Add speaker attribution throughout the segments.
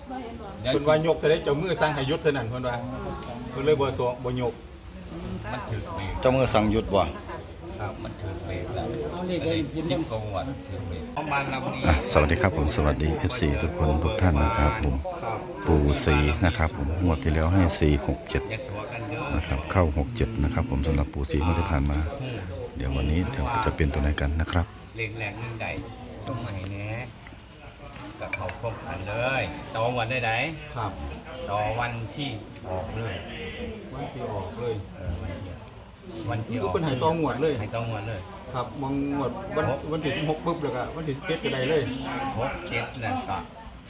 Speaker 1: เพิ่นว่ายกจะได้เจ้ามือสร้างให้ยุทธเท่านั้นเพิ่นว่าเพิ่นเลยบ่ยก
Speaker 2: มันถือเบรก
Speaker 3: เจ้ามือสั่งหยุดบ่
Speaker 1: ครับ
Speaker 2: มันถือเบรกแล้วสิบกว่าถือเบรกประมาณลำนี้
Speaker 3: สวัสดีครับผมสวัสดี FC ทุกคนทุกท่านนะครับผมปู่สีนะครับผมงวดที่แล้วให้467
Speaker 2: ยัดหัวกันเยอะ
Speaker 3: นะครับเข้า67นะครับผมสำหรับปู่สีงวดที่ผ่านมาเดี๋ยววันนี้จะเป็นตัวไหนกันนะครับ
Speaker 2: เล็กแรงนึงใดต้องมาให้แน่กับเขาพบกันเลยต่อวันได้ไหน
Speaker 1: ครับ
Speaker 2: ต่อวันที่ออกเลย
Speaker 1: วันที่ออกเลย
Speaker 2: วันที่
Speaker 1: คือ
Speaker 2: ออก
Speaker 1: เพิ่นให้ตองวดเลย
Speaker 2: ให้ต้องวันเลย
Speaker 1: ครับมองงวดวันที่16ปุ๊บแล้วก็วันที่17ก็ได้เลย
Speaker 2: 6 7นะก็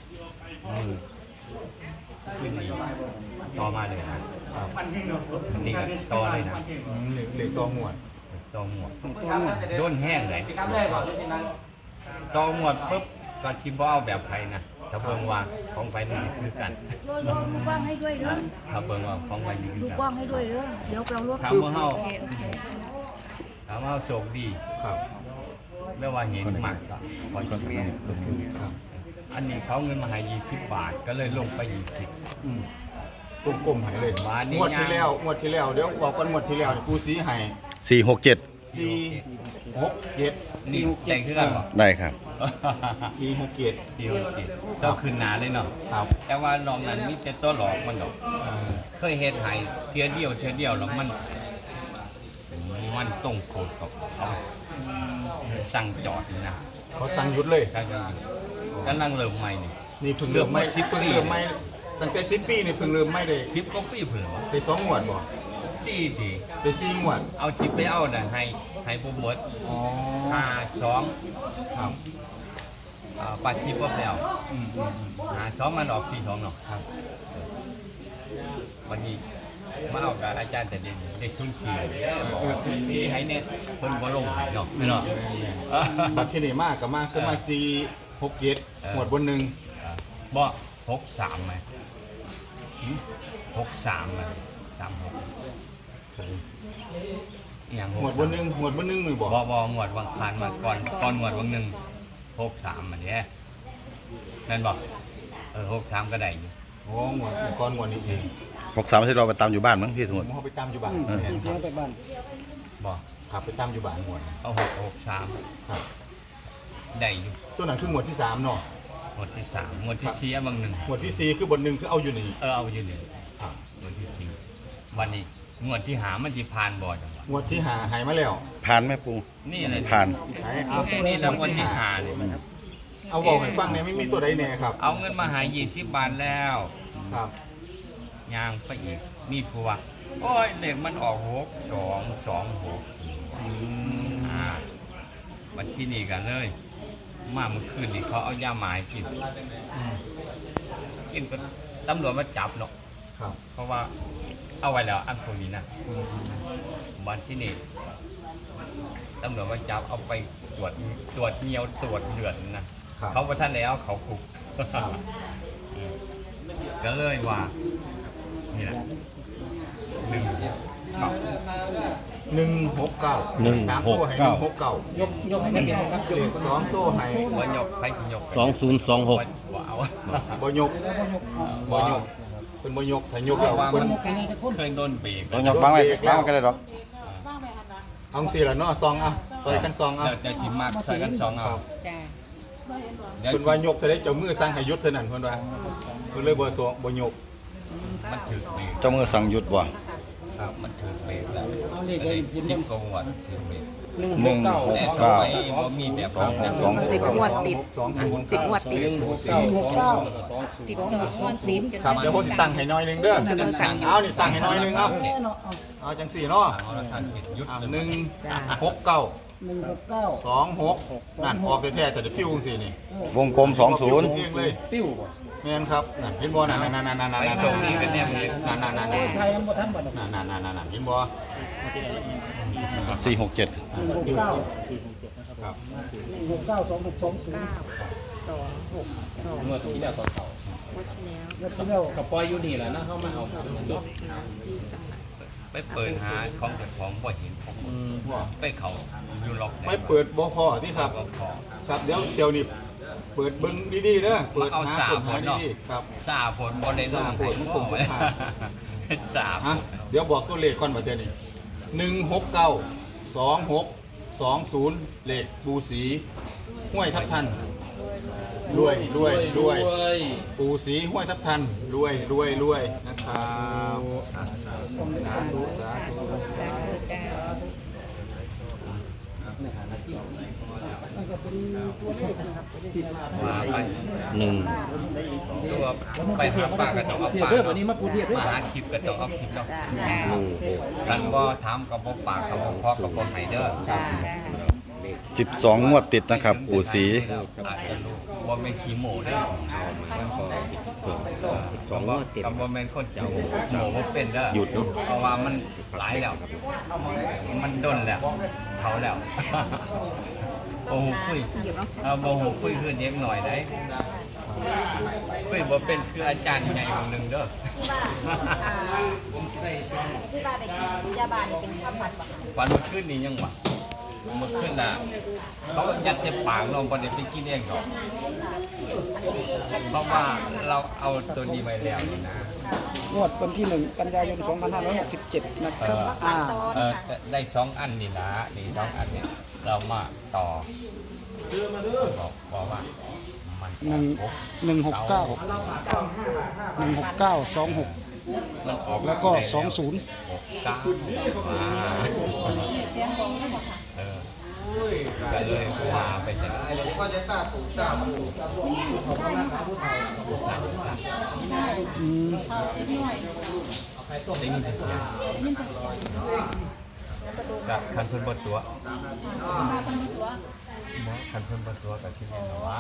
Speaker 2: ขึ้นนี่ต่อมาเลยนะครับ นี่ก็ต่อเลยนะ
Speaker 1: เลขตองวด
Speaker 2: ต่อหมวดโดนแห้งเลยต่อหมวดปุ๊บก็ชิมบ่เอาแบบไทยนะถ้าเบิ่งว่าของไฟมันคือกัน
Speaker 4: โยลูกบ้างให้ด้วยเด้อ
Speaker 2: ถ้าเบิ่งว่าของไฟมันคือ
Speaker 4: ลูก
Speaker 2: กัน
Speaker 4: บ้างให้ด้วยเด้อเดี๋ยวเราลด
Speaker 2: ถามว่าเฮาถามว่าเฮาโชคดี
Speaker 1: ครับ
Speaker 2: เรียกว่าเห็นมากก็พอชิม
Speaker 1: ครับ
Speaker 2: อันนี้เขาเงินมาให้20 บาทก็เลยลงไป20
Speaker 1: อืมกลมๆให้เลย
Speaker 2: บาทนี่
Speaker 1: งวดที่แล้วเดี๋ยวบอกก่อนงวดที่แล้วนี่ปูสีให้
Speaker 3: 467
Speaker 1: 467
Speaker 2: นี่แต่งคือกันบ่
Speaker 3: ได้ครับ
Speaker 1: 467
Speaker 2: 467ต้องขึ้นหนาเลยเนาะ
Speaker 1: ครับ
Speaker 2: แต่ว่านอกนั้นมีแต่ตัวหลอกมันดอก เคยเฮ็ดให้เทียเดียวแล้วมันต้องโคตรกับเขาสั่งจอดนี่นะ
Speaker 1: เขาสั่งหยุดเลย
Speaker 2: สั่งจอดอยู่กำลังเริ่มใหม่นี่
Speaker 1: นี่เพิ่งเริ่มไม่เพิ่งเริ่มไม่ตั้งแต่10 ปีนี่เพิ่งเริ่มไม่ได้
Speaker 2: 10 กว่าปีเพิ่นว่า
Speaker 1: ได้2งวดบ่
Speaker 2: จี้ดี
Speaker 1: ได้4งวด
Speaker 2: เอาทิปไปเอาน่ะให้ผู้บวช
Speaker 1: อ๋อ
Speaker 2: 52
Speaker 1: ครับ
Speaker 2: ปัดทิปบ่แล้ว
Speaker 1: อืม
Speaker 2: 52มันออก42เนาะ
Speaker 1: ครับ
Speaker 2: วันนี้มาเอากับอาจารย์แต่เด็กชุน4บอกว่าชุน4ให้เน็ตเพิ่นบ่ลงให้เนาะไม่เนาะ
Speaker 1: บัตรที่นี่มากกับมากคือมา467หมวดบนหนึ่ง
Speaker 2: บ่63มั้ย63มั้ย36อีหยัง
Speaker 1: หมวดบนหนึ่งนี่บอก
Speaker 2: บ่หมวดวังผ่านมาก่อนหมวดวังหนึง63มันเด้นั่นบ่63ก็ได้อยู่
Speaker 1: โอ้หมวดก้อนหมวดนี้เอง
Speaker 3: 63ที่เราไปตามอยู่บ้านมั้งพี่ทั้งหมด
Speaker 1: ผมเขาไปตามอยู่บ้าน
Speaker 2: บ่
Speaker 1: ขับไปตามอยู่บ้านหมวด
Speaker 2: เอา663
Speaker 1: ครับ
Speaker 2: ได้อยู่
Speaker 1: ตัวนั้นคือหมวดที่3เนาะ
Speaker 2: หมวดที่3หมวดที่4บางหนึง
Speaker 1: หมวดที่4คือบนหนึ่งคือเอาอยู่นี่
Speaker 2: เอาอยู่นี่
Speaker 1: ครับ
Speaker 2: หมวดที่4วันนี้หมวดที่5มันสิผ่านบ่จังวะ
Speaker 1: หมวดที่หายมาแล้ว
Speaker 3: ผ่านไหมปู่
Speaker 2: นี่อะไร
Speaker 3: ผ่าน
Speaker 1: หายเอา
Speaker 2: นี่รางวัลที่5นี่มัน
Speaker 1: เอาบอกให้ฟังเนี่ยไม่มีตัวใดแน่ครับ
Speaker 2: เอาเงินมาหา20 บาทแล้ว
Speaker 1: ครับ
Speaker 2: ย่างไปอีกมีผู้ว่าโอ้ยเลขมันออก6226วันที่นี่กันเลย มาเมื่อคืนนี่เขาเอายาหมายกินกินก็ตำรวจมาจับเนาะ
Speaker 1: ครับ
Speaker 2: เพราะว่าเอาไว้แล้วอันพวกนี้นะวันที่นี่ตำรวจมาจับเอาไปตรวจเนียวตรวจเลือดนะเขาประท่านแล้วเขาคุกก็เลยว่านี่แหละ1
Speaker 1: 169 3ตัวให้169
Speaker 5: ยกให้มันเป็นครับ
Speaker 1: เลข2ตัวให้
Speaker 2: บ่ยกไปยก
Speaker 3: 2026
Speaker 2: บ่เอา
Speaker 1: บ่ยกเป็นบ่ยกถ้ายก
Speaker 2: เพ
Speaker 1: แล้ว
Speaker 2: ราะว่า
Speaker 1: เพิ่
Speaker 2: มัน
Speaker 1: น
Speaker 2: เคยโดนเบรก
Speaker 3: ต้องยกบ้างไว้บ้างก็ได้หรอก
Speaker 1: เอาสิล่ะเนาะซองเอาซอยกันซองเอา
Speaker 2: เราจะจิ้มมากใส่กัน2เอา
Speaker 4: จ้า
Speaker 2: เดี๋ยว
Speaker 1: เพิ่นว่ายกจะได้เจ้ามือสร้างให้ยุทธเท่านั้นเพิ่นว่าเพิ่นเลยบ่ยก
Speaker 2: มันถือเบรก
Speaker 3: เจ้ามือสั่งหยุดบ่
Speaker 1: ครับ
Speaker 2: มันถือเบรกแล้ว
Speaker 5: เอาเลขเลยยิน
Speaker 2: 10 กว่าถือเบรก
Speaker 5: 169
Speaker 2: แต่ทำไมบ่มีแบบนั้นนะ
Speaker 4: 10 งวดติด 10 งวดติด ติด2 งวดติด
Speaker 1: ครับเดี๋ยวผมสิตั้งให้หน้อยหนึงเด้อเอานี่ตั้งให้หน้อยหนึงเอาจังสี่เนาะ
Speaker 2: เอาละท่านเห็นยุทธ
Speaker 1: 169 26นั่นออกแท้ๆแต่เดี๋ยวพิ้วจังซี่นี่
Speaker 3: วงกลม
Speaker 1: พิ้วเองเลย
Speaker 5: ปิ้วบ่
Speaker 1: แม่นครับนั่นเห็นบ่นั่นๆๆๆๆๆนั่นๆๆๆนั่น
Speaker 5: ไทยมันบ่ทันบ่ดอก
Speaker 1: ๆๆเห็นบ่
Speaker 3: 20 467
Speaker 1: ครับ
Speaker 4: 9 2 6 2
Speaker 5: เมื่อที่แล้วตอนเก่าง
Speaker 4: วดที่แล้ว
Speaker 5: เมื่อที่แล้วกับปอยอยู่นี่แหละนะเฮามาเอา
Speaker 4: 7ที่ตำหนัก
Speaker 2: ไปเปิดหาของเจ้าของบ่เห็นผมไปเขาอยู่ล็อก
Speaker 1: ไม่เปิดบ่พอที่ครับ
Speaker 2: ก็พอ
Speaker 1: ครับเดี๋ยวนี้เปิดเบิ้งดีๆเด้อเปิด
Speaker 2: เอา
Speaker 1: หา
Speaker 2: สา
Speaker 1: เปิด
Speaker 2: ผ
Speaker 1: หา
Speaker 2: ลเนาะ
Speaker 1: ดีๆครับ
Speaker 2: สาผลบอลในรุ่น
Speaker 1: สาผลมันคงสุดท้าย
Speaker 2: สาผ
Speaker 1: ฮะ
Speaker 2: ล
Speaker 1: เดี๋ยวบอกตัวเลขก่อนประเดี๋ยวนี้1692620เลขปูสีห้วยทับทันรวยปูสีห้วยทับทันรวยนะครับสาธุ
Speaker 2: ว่าไป
Speaker 3: หนึ่ง
Speaker 2: ตัวไปหาปลาก็ต้องเอาปลา
Speaker 5: เทียบวันนี้มาปูเทียบด้วย
Speaker 2: มาหาคลิปก็ต้องเอาคลิปเนาะ
Speaker 4: จ้า
Speaker 2: กันบ่ถามกับบ่ปากกับบ่พอกับบ่ไห้เด้อ
Speaker 4: จ้า
Speaker 3: 12งวดติดนะครับ ปู่ศรี
Speaker 2: อาจจะรู้ว่าแม่นขี้โมเด้อ
Speaker 6: สองงวดติด
Speaker 2: กับบ่แม่นคนเจ้าโมบ่เป็นเด้อ
Speaker 6: หยุดเนอะ
Speaker 2: เพราะว่ามันหลายแล้ว มันดนแล้วเขาแล้ว โอ้โหคุยเอาโมโหคุยคือเด็กหน่อยได้คุยบ่เป็นคืออาจารย์ใหญ่คนหนึงเด้อ
Speaker 4: ที่บ้านได้กินยาบ้านนี่เป็นข้าวผัดบ่
Speaker 2: วันเมื่อคืนนี้ยังวะเมื่อคืนน่ะเขายัดเจ็บปากเราบ่ได้ไปกินเองหรอกเพราะว่าเราเอาตัวนี้ไว้แล้วนี่นะ
Speaker 5: งวดวันที่1 กันยายน 2567 นะครับ
Speaker 2: ได้2 อันนี่นะนี่2 อันเนี่ยเรามาต่อบอกว่ามัน
Speaker 5: 169
Speaker 2: มันออก
Speaker 5: แล้วก็ 20
Speaker 2: 9ก็เลยว่าไปเสร็จ
Speaker 1: ผมก็จะตาถูกทราบ
Speaker 2: ได้ยินแต่เสียงกับคันเพิ่นบ่ตัวคันเพิ่นบ่ตัวกับที่นี่ว่า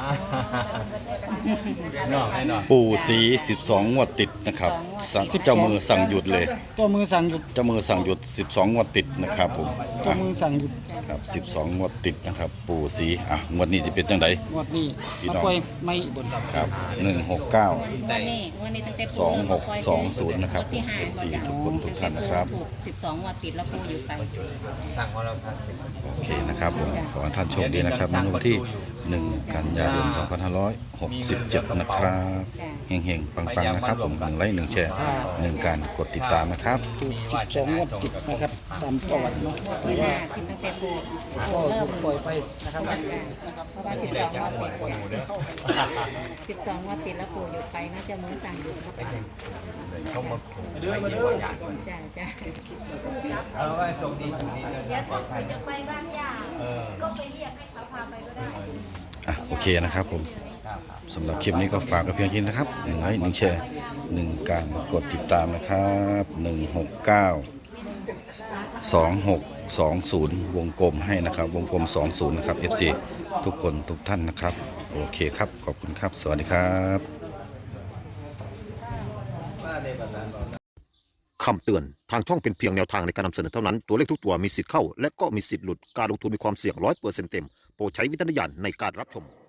Speaker 2: เนาะให้เนาะ
Speaker 3: ปู่ศรี12งวดติดนะครับเจ้ามือสั่งหยุดเลย
Speaker 5: เจ้ามือสั่งหยุด
Speaker 3: เจ้ามือสั่งหยุด12งวดติดนะครับผม
Speaker 5: เจ้ามือสั่งหยุด
Speaker 3: ครับ12งวดติดนะครับ ปู่ศรีงวดนี้จะเป็นจังได
Speaker 5: งวดนี้
Speaker 3: พี่น้
Speaker 5: มา
Speaker 3: อง
Speaker 5: ปล่อยไม่บน
Speaker 3: ครับ169
Speaker 4: วันนี้ตั้งแต่ปู
Speaker 3: 2620นะครับผมเป็นสี่ทุกคนทุกท่านนะครับ
Speaker 4: ถูก12งวดติดแล้วปูอยู่ไป
Speaker 2: สั่งของเราทักสิ
Speaker 3: โอเคนะครับผมขอให้ท่านโชคดีนะครับในวันที่ 1 กันยายน 2567 นะครับเฮงๆ ปังๆ นะครับผม1ไลค์1แชร์1การกดติดตามนะครับ
Speaker 5: 12งวดติดนะครับตามประวัติเนาะ
Speaker 4: ที่ห้าขึ้นตั้งแต่ปูเริ่ม
Speaker 5: ปล่อยไปนะครับ
Speaker 4: เพราะว่า12งวดติด12งวดติดแล้วปูอยู่ไปน่าจะมือสั่งอยู่ครับ
Speaker 2: เขามาขู่ไม่มีประหยัด
Speaker 4: จ้าจ้า
Speaker 2: เอาไว้ตรงนี้ตรงนี้เลย
Speaker 4: เดี๋ยว
Speaker 2: ปลอดภัย
Speaker 4: จะไปบ้านย่าก็ไปเรียกให้เขาพาไปก็ได้
Speaker 3: โอเคนะครับผมสำหรับคลิปนี้ก็ฝากกับเพียงแค่นี้นะครับ1ไลค์1แชร์1การกดติดตามนะครับ1692620วงกลมให้นะครับวงกลม20นะครับ FC ทุกคนทุกท่านนะครับโอเคครับขอบคุณครับสวัสดีครับ
Speaker 6: คำเตือน ทางช่องเป็นเพียงแนวทางในการนำเสนอเท่านั้น ตัวเลขทุกตัวมีสิทธิ์เข้า และก็มีสิทธิ์หลุด การลงทุนมีความเสี่ยง100%เต็ม โปรดใช้วิจารณญาณในการรับชม